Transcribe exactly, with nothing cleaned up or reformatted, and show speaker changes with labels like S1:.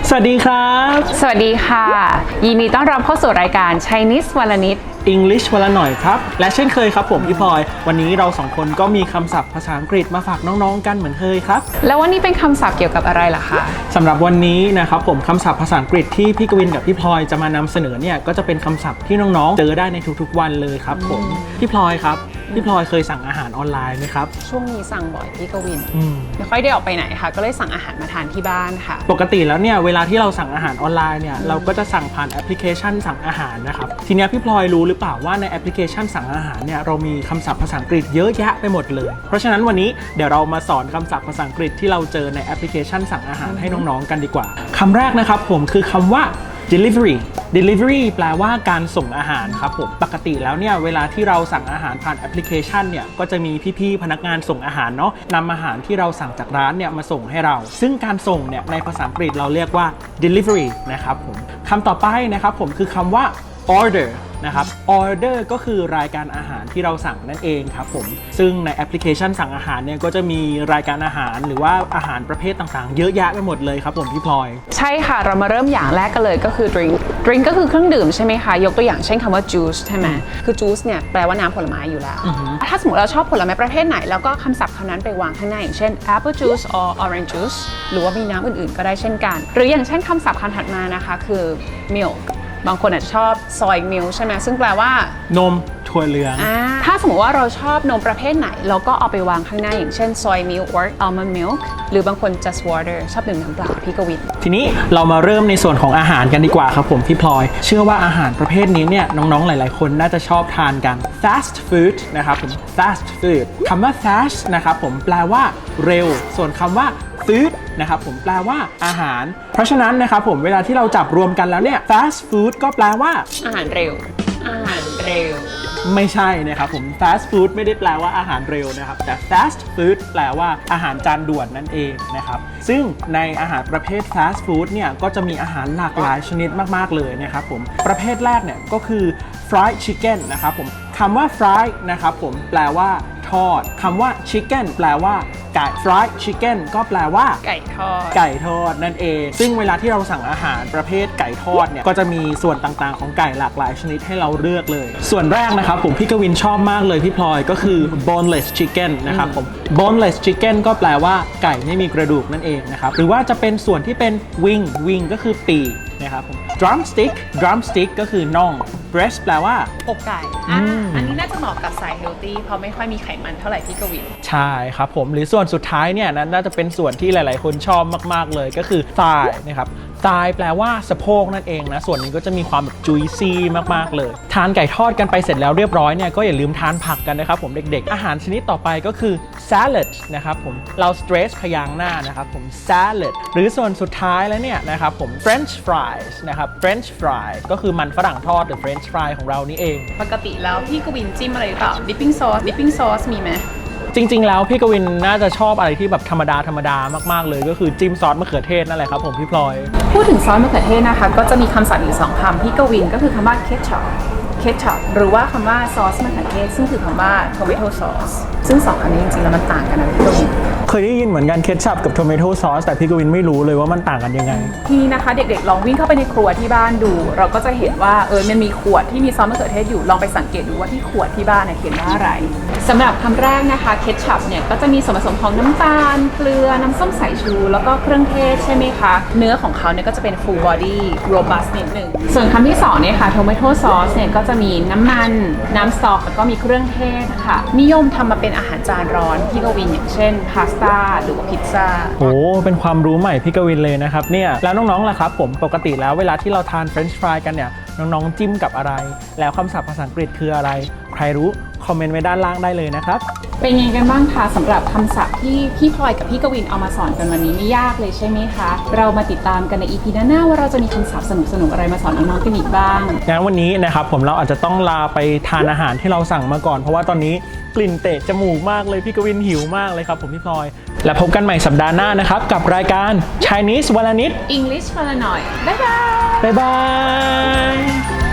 S1: สวัสดีครับ
S2: สวัสดีค่ะยินดีต้อนรับเข้าสู่รายการ Chinese วันละนิด
S1: English วันละหน่อยครับและเช่นเคยครับผมพี่พลอยวันนี้เราสองคนก็มีคำศัพท์ภาษาอังกฤษมาฝากน้องๆกันเหมือนเคยครับ
S2: แล้ววันนี้เป็นคำศัพท์เกี่ยวกับอะไรล่ะคะ
S1: สำหรับวันนี้นะครับผมคำศัพท์ภาษาอังกฤษที่พี่กวินกับพี่พลอยจะมานำเสนอเนี่ยก็จะเป็นคำศัพท์ที่น้องๆเจอได้ในทุกๆวันเลยครับผมพี่พลอยครับพี่พลอยเคยสั่งอาหารออนไลน์ไหมครับ
S2: ช่วงนี้สั่งบ่อยพี่กวินไม่ค่อยได้ออกไปไหนค่ะก็เลยสั่งอาหารมาทานที่บ้านค่ะ
S1: ปกติแล้วเนี่ยเวลาที่เราสั่งอาหารออนไลน์เนี่ยเราก็จะสั่งผ่านแอปพลิเคชันสั่งอาหารนะครับทีนี้พี่พลอยรู้หรือเปล่าว่าในแอปพลิเคชันสั่งอาหารเนี่ยเรามีคำศัพท์ภาษาอังกฤษเยอะแยะไปหมดเลยเพราะฉะนั้นวันนี้เดี๋ยวเรามาสอนคำศัพท์ภาษาอังกฤษที่เราเจอในแอปพลิเคชันสั่งอาหารให้น้องๆกันดีกว่าคำแรกนะครับผมคือคำว่า delivery delivery แปลว่าการส่งอาหารครับผมปกติแล้วเนี่ยเวลาที่เราสั่งอาหารผ่านแอปพลิเคชันเนี่ยก็จะมีพี่ๆพนักงานส่งอาหารเนาะนำอาหารที่เราสั่งจากร้านเนี่ยมาส่งให้เราซึ่งการส่งเนี่ยในภาษาอังกฤษเราเรียกว่า delivery นะครับผมคำต่อไปนะครับผมคือคำว่า order นะครับ order ก็คือรายการอาหารที่เราสั่งนั่นเองครับผมซึ่งในแอปพลิเคชันสั่งอาหารเนี่ยก็จะมีรายการอาหารหรือว่าอาหารประเภทต่างๆเยอะแยะไปหมดเลยครับผมพี่พลอย
S2: ใช่ค่ะเรามาเริ่มอย่างแรกกันเลยก็คือ drink drink ก็คือเครื่องดื่มใช่ไหมคะยกตัวอย่างเช่นคำว่า juice ใช่ไหมคือ juice เนี่ยแปลว่าน้ำผลไม้อยู่แล้วถ้าสมมติเราชอบผลไม้ประเภทไหนแล้วก็คำศัพท์คำนั้นไปวางข้างหน้าอย่างเช่น apple juice or orange juice หรือว่ามีน้ำอื่นๆก็ได้เช่นกันหรืออย่างเช่นคำศัพท์คำถัดมานะคะคือ milkบางคนอาจจะชอบ soy milk ใช่ไหมซึ่งแปลว่าน
S1: มถั่วเหลือง
S2: ถ้าสมมติว่าเราชอบนมประเภทไหนเราก็เอาไปวางข้างหน้าอย่างเช่น soy milk or almond milk หรือบางคน just water ชอบดื่มน้ำเปล่าพี่กวิน
S1: ทีนี้เรามาเริ่มในส่วนของอาหารกันดีกว่าครับผมพี่พลอยเชื่อว่าอาหารประเภทนี้เนี่ยน้องๆหลายๆคนน่าจะชอบทานกัน fast food นะครับผม fast food คำว่า fast นะครับผมแปลว่าเร็วส่วนคำว่าfood นะครับผมแปลว่าอาหารเพราะฉะนั้นนะครับผมเวลาที่เราจับรวมกันแล้วเนี่ย fast food ก็แปลว่า
S2: อาหารเร็วอาหารเร็ว
S1: ไม่ใช่นะครับผม fast food ไม่ได้แปลว่าอาหารเร็วนะครับแต่ fast food แปลว่าอาหารจานด่วนนั่นเองนะครับซึ่งในอาหารประเภท fast food เนี่ยก็จะมีอาหารหลากหลายชนิดมากๆเลยนะครับผมประเภทแรกเนี่ยก็คือ fried chicken นะครับผมคำว่า fried นะครับผมแปลว่าทอดคำว่า chicken แปลว่าไก่ fried chicken ก็แปลว่า
S2: ไก่ทอด
S1: ไก่ทอดนั่นเองซึ่งเวลาที่เราสั่งอาหารประเภทไก่ทอดเนี่ยก็จะมีส่วนต่างๆของไก่หลากหลายชนิดให้เราเลือกเลยส่วนแรกนะครับผมพี่กวินชอบมากเลยพี่พลอยก็คือ boneless chicken นะครับผม boneless chicken ก็แปลว่าไก่ไม่มีกระดูกนั่นเองนะครับหรือว่าจะเป็นส่วนที่เป็น wing wing ก็คือปีกนะครับผม drumstick drumstick ก็คือน่อง breast แปลว่า
S2: อกไก่อ่าอันนี้น่าจะเหมาะกับสายเฮลตี้เพราะไม่ค่อยมีไขมันเท่าไหร่พี่กวิน
S1: ใช่ครับผมหรือส่วนสุดท้ายเนี่ยนั้นน่าจะเป็นส่วนที่หลายๆคนชอบมากๆเลยก็คือ thigh นะครับ thigh แปลว่าสะโพกนั่นเองนะส่วนนี้ก็จะมีความแบบ juicy มากๆเลยทานไก่ทอดกันไปเสร็จแล้วเรียบร้อยเนี่ยก็อย่าลืมทานผักกันนะครับผมเด็กๆอาหารชนิดต่อไปก็คือ salad นะครับผมเรา stress พยางค์หน้านะครับผม salad หรือส่วนสุดท้ายแล้วเนี่ยนะครับผม french fries นะครับ french fry ก็คือมันฝรั่งทอดหรือ french fry ของเรานี่เอง
S2: ปกติแล้วพี่กวินจิ้มอะไรหรือเปล่า dipping sauce dipping sauce มีไหม
S1: จริงๆแล้วพี่กวินน่าจะชอบอะไรที่แบบธรรมดาธรรมดามากๆเลยก็คือจิ้มซอสมะเขือเทศนั่นแหละครับผมพี่พลอย
S2: พูดถึงซอสมะเขือเทศนะคะก็จะมีคำศัพท์อยู่สองคำพี่กวินก็คือคำว่า ketchup ketchup หรือว่าคำว่าซอสมะเขือเทศซึ่งคือคำว่า tomato sauce ซึ่งสองคำนี้จริงๆแล้วมันต่างกันนะพี่กวิน
S1: เคยได้ยินเหมือนกันเคชัพกับ tomato sauce แต่พี่กวินไม่รู้เลยว่ามันต่างกันยังไง
S2: ทีนี้นะคะเด็กๆลองวิ่งเข้าไปในครัวที่บ้านดูเราก็จะเห็นว่าเออมันมีขวดที่มีซอสมะเขือเทศอยู่ลองไปสังเกตดูว่าที่ขวดที่บ้านเขียนว่าอะไรสำหรับคำแรกนะคะเคชัพเนี่ยก็จะมีส่วนผสมของน้ำตาลเกลือน้ำส้มสายชูแล้วก็เครื่องเทศใช่ไหมคะเนื้อของเขาเนี่ยก็จะเป็น full body robust นิดนึงส่วนคำที่สองเนี่ยค่ะ tomato sauce เนี่ยก็จะมีน้ำมันน้ำซอสแล้วก็มีเครื่องเทศค่ะนิยมทำมาเป็นอาหารจานร้อนพี่กวินอย่างเช่นพาสต้าหรือว่าพิซซ่า
S1: โอ้เป็นความรู้ใหม่พี่กวินเลยนะครับเนี่ยแล้วน้องๆล่ะครับผมปกติแล้วเวลาที่เราทานเฟรนช์ฟรายกันเนี่ยน้องๆจิ้มกับอะไรแล้วคำศัพท์ภาษาอังกฤษคืออะไรใครรู้คอมเมนต์ไว้ด้านล่างได้เลยนะครับ
S2: เป็นยังไงกันบ้างคะสำหรับคำศัพท์ที่พี่พลอยกับพี่กวินเอามาสอนกันวันนี้ไม่ยากเลยใช่ไหมคะเรามาติดตามกันใน อี พี หน้าว่าเราจะมีคำศัพท์สนุกๆอะไรมาสอนน้องๆกันอีกบ้าง
S1: งั้นวันนี้นะครับผมเราอาจจะต้องลาไปทานอาหารที่เราสั่งมาก่อนเพราะว่าตอนนี้กลิ่นเตะจมูกมากเลยพี่กวินหิวมากเลยครับผมพี่พลอยและพบกันใหม่สัปดาห์หน้านะครับกับรายการ Chinese วันละนิด
S2: English วันละหน่อยบ๊ายบาย
S1: บ๊ายบาย